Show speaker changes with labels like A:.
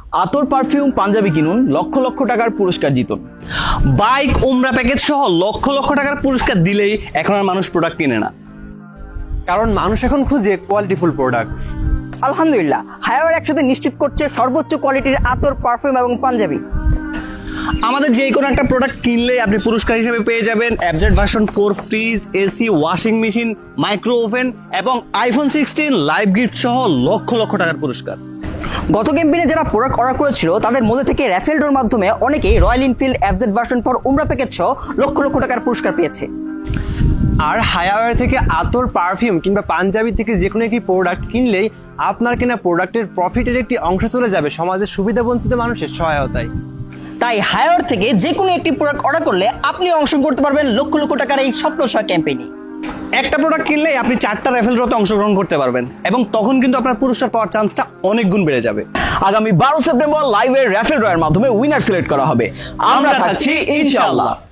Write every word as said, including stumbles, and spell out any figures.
A: আতর পারফিউম পাঞ্জাবি কিনুন, লক্ষ লক্ষ টাকার পুরস্কার জিতুন।
B: বাইক উমরা প্যাকেজ সহ লক্ষ লক্ষ টাকার পুরস্কার দিলেই এখন আর মানুষ প্রোডাক্ট কিনে না,
C: কারণ মানুষ এখন খুঁজে কোয়ালিটিফুল প্রোডাক্ট।
D: আলহামদুলিল্লাহ, হায়ার একসাথে নিশ্চিত করছে সর্বোচ্চ কোয়ালিটির আতর, পারফিউম এবং পাঞ্জাবি।
B: আমাদের যে কোনো একটা প্রোডাক্ট কিনলেই আপনি পুরস্কার হিসেবে পেয়ে যাবেন অ্যাবজেট version four fridge, AC, washing machine, micro oven এবং আইফোন সিক্সটিন লাইভ গিফট সহ লক্ষ লক্ষ টাকার পুরস্কার।
D: গত ক্যাম্পেইনে যারা প্রোডাক্ট অর্ডার করেছিল তাদের মধ্যে থেকে র্যাফেল ড্রর মাধ্যমে অনেকেই রয়্যাল এনফিল্ড অ্যাবজেট ভার্সন ফোর উমরা প্যাকেজ সহ লক্ষ লক্ষ টাকার পুরস্কার পেয়েছে।
C: আর হায়ার থেকে আতর, পারফিউম কিংবা পাঞ্জাবি থেকে যে কোনো একটি প্রোডাক্ট কিনলেই আপনার কেনা প্রোডাক্টের প্রফিটের একটি অংশ চলে যাবে সমাজের সুবিধাবঞ্চিত মানুষের সহায়তায়।
D: তাই হায়ার থেকে যে কোনো একটি প্রোডাক্ট অর্ডার করলে আপনি অংশগ্রহণ করতে পারবেন লক্ষ লক্ষ টাকার এই স্বপ্ন ছয় ক্যাম্পেইনে।
B: একটা প্রোডাক্ট কিনলেই আপনি চারটা র্যাফেল ড্রতে অংশগ্রহণ করতে পারবেন এবং তখন কিন্তু আপনার পুরস্কার পাওয়ার চান্সটা অনেক গুণ বেড়ে যাবে।
A: আগামী বারো সেপ্টেম্বর লাইভের র্যাফেল ড্রয়ের মাধ্যমে উইনার সিলেক্ট করা হবে। আমরা থাকছি ইনশাআল্লাহ।